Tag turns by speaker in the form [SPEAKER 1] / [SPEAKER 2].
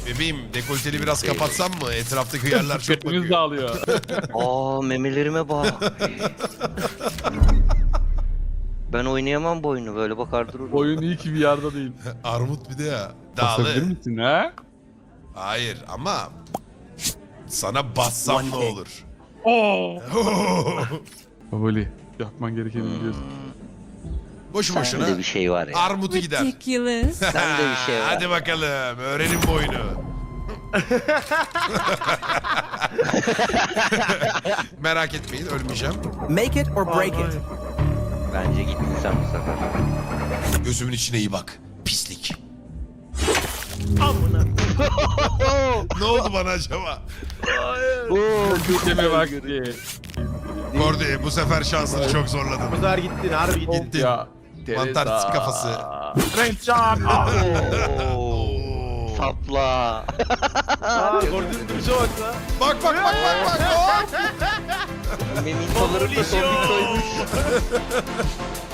[SPEAKER 1] Bebeğim dekolteli biraz kapatsam mı? Etraftaki yerler çok
[SPEAKER 2] Dikkatimiz
[SPEAKER 1] bakıyor.
[SPEAKER 2] dağılıyor.
[SPEAKER 3] Aa memelerime bak. Ben oynayamam bu oyunu böyle bakar dururum.
[SPEAKER 2] Oyun iyi ki bir yerde değil.
[SPEAKER 1] Armut bir de ya.
[SPEAKER 2] Basabilir
[SPEAKER 1] Dağlı.
[SPEAKER 2] misin ha?
[SPEAKER 1] Hayır ama sana bassam ne olur?
[SPEAKER 2] Babali yapman gerekeni biliyorsun.
[SPEAKER 1] Boşu boşuna.
[SPEAKER 3] Sende bir şey var ya.
[SPEAKER 1] Armutu gider.
[SPEAKER 4] Ridiculous.
[SPEAKER 3] Sende bir şey var.
[SPEAKER 1] Hadi bakalım öğrenin bu oyunu. Merak etmeyin ölmeyeceğim.
[SPEAKER 5] Make it or break it.
[SPEAKER 3] Bence gittin sen bu sefer.
[SPEAKER 1] Gözümün içine iyi bak. Pislik.
[SPEAKER 6] Amına.
[SPEAKER 1] Ne oldu bana acaba?
[SPEAKER 2] Deme vakti.
[SPEAKER 1] Gordy bu sefer şansını çok
[SPEAKER 6] Bu
[SPEAKER 1] zorladın.
[SPEAKER 6] sefer gittin harbi gittin.
[SPEAKER 1] Gittin.
[SPEAKER 2] Ya.
[SPEAKER 1] Mantar
[SPEAKER 2] Teresa.
[SPEAKER 1] kafası.
[SPEAKER 2] Rençan.
[SPEAKER 3] Oo. Sapla.
[SPEAKER 6] Aa gördün duruşa bak lan.
[SPEAKER 1] Bak bak bak bak bak. Hop!
[SPEAKER 3] Memin kalırıp da son bir koymuş.